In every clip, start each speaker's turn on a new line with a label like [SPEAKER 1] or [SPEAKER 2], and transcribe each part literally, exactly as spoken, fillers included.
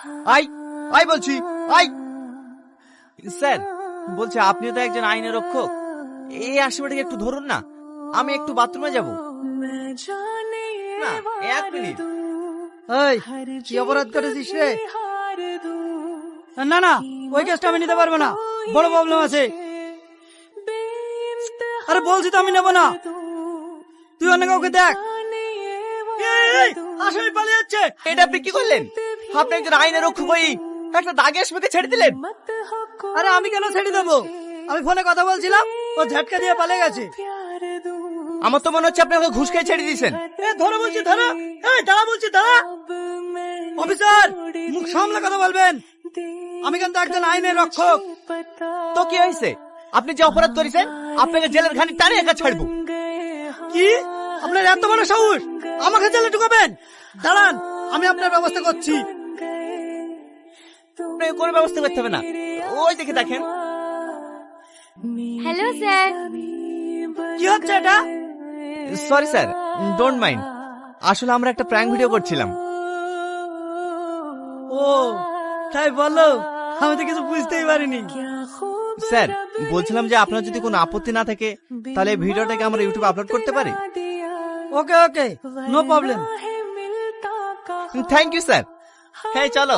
[SPEAKER 1] I আই বলছি আই। স্যার বলছে আপনিও তো একজন আইনের রক্ষক, এই আসামিটাকে একটু ধরুন না, আমি একটু বাথরুমে যাব। না এক মিনিট।
[SPEAKER 2] এই কি অপরাধ করেছিস রে? না না ওই কেসটা আমি নিতে পারবো না, বড় প্রবলেম আছে। আরে বলছি তো আমি নেবো না, তুই অন্য কাউকে দেখ। এই, এই, আসামি পালিয়ে যাচ্ছে।
[SPEAKER 1] এটা আপনি কি করলেন? আপনি একজন আইনের রক্ষক হয়ে একটা দাগে আসামিকে ছেড়ে দিলেন।
[SPEAKER 2] আরে আমি কেন ছেড়ে দেবো? আমি ফোনে কথা বলছিলাম, ও ঝাটকা দিয়ে পালিয়ে গেছে।
[SPEAKER 1] আমার তো মনে হচ্ছে আপনি ওকে ঘুষ খেয়ে ছেড়ে দিয়েছেন।
[SPEAKER 2] এ ধরো বলছি ধরো, এই দাঁড়া বলছি দাঁড়া। অফিসার মুখ সামলে কথা বলবেন, আমি কিন্তু একজন আইনের রক্ষক।
[SPEAKER 1] তো কি হয়েছে? আপনি যে অপরাধ করেছেন আপনাকে জেলের ঘানি টানে একা ছাড়বো।
[SPEAKER 2] কি আপনার এত বড় সাহস আমাকে জেলে ঢুকাবেন? দাঁড়ান আমি আপনার ব্যবস্থা করছি।
[SPEAKER 1] আপনাকে কোনো ব্যবস্থা করতে হবে না, ওই দেখে দেখেন।
[SPEAKER 3] Hello sir.
[SPEAKER 2] কি হচ্ছে এটা?
[SPEAKER 1] সরি স্যার, ডোন্ট মাইন্ড, আসলে আমরা একটা প্র্যাঙ্ক ভিডিও করছিলাম।
[SPEAKER 2] ও তাই বলো, আমি তো কিছু বুঝতেই পারিনি।
[SPEAKER 1] স্যার বলছিলাম যে আপনার যদি কোনো আপত্তি না থাকে তাহলে এই ভিডিওটাকে আমরা ইউটিউবে আপলোড করতে পারি।
[SPEAKER 2] Okay okay no problem.
[SPEAKER 1] Thank you sir. হ্যাঁ চলো।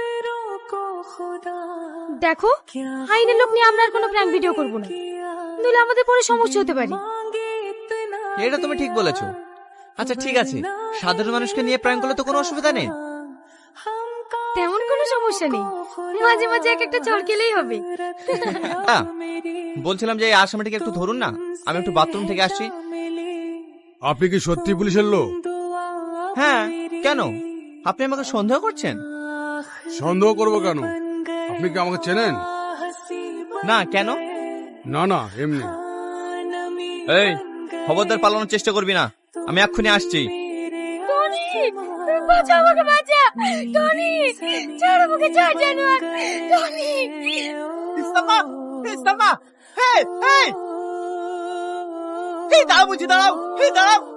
[SPEAKER 3] দেখো আইনের লোক নিয়ে আমরা আর কোনো প্র্যাঙ্ক ভিডিও করব না, নইলে আমাদের পরে সমস্যা হতে পারে।
[SPEAKER 1] এটা তুমি ঠিক বলেছো। আচ্ছা ঠিক আছে, সাধারণ মানুষকে নিয়ে প্র্যাঙ্ক করলে তো কোনো অসুবিধা নেই।
[SPEAKER 3] তেমন কোনো সমস্যা নেই, মাঝে মাঝে এক একটা চড় খেলেই হবে।
[SPEAKER 1] হ্যাঁ, বলছিলাম যে এই আসামিটাকে একটু ধরুন না, আমি একটু বাথরুম থেকে আসছি।
[SPEAKER 4] আপনি কি সত্যি পুলিশের লোক?
[SPEAKER 1] হ্যাঁ কেন, আপনি আমাকে সন্দেহ করছেন?
[SPEAKER 4] সন্দেহ করবো কেন? আপনি কি আমাকে চেনেন?
[SPEAKER 1] না কেন?
[SPEAKER 4] না না এমনি।
[SPEAKER 1] এই খবরদার পালানোর চেষ্টা করবি না, আমি এক্ষুনি আসছি।
[SPEAKER 3] টনি বাঁচা আমাকে, বাঁচা টনি, ছাড় আমাকে, ছাড় জানোয়ার টনি।
[SPEAKER 1] ইস্তামা, ইস্তামা, এই এই এই দাঁড়াও বলছি, দাঁড়াও, এই দাঁড়াও।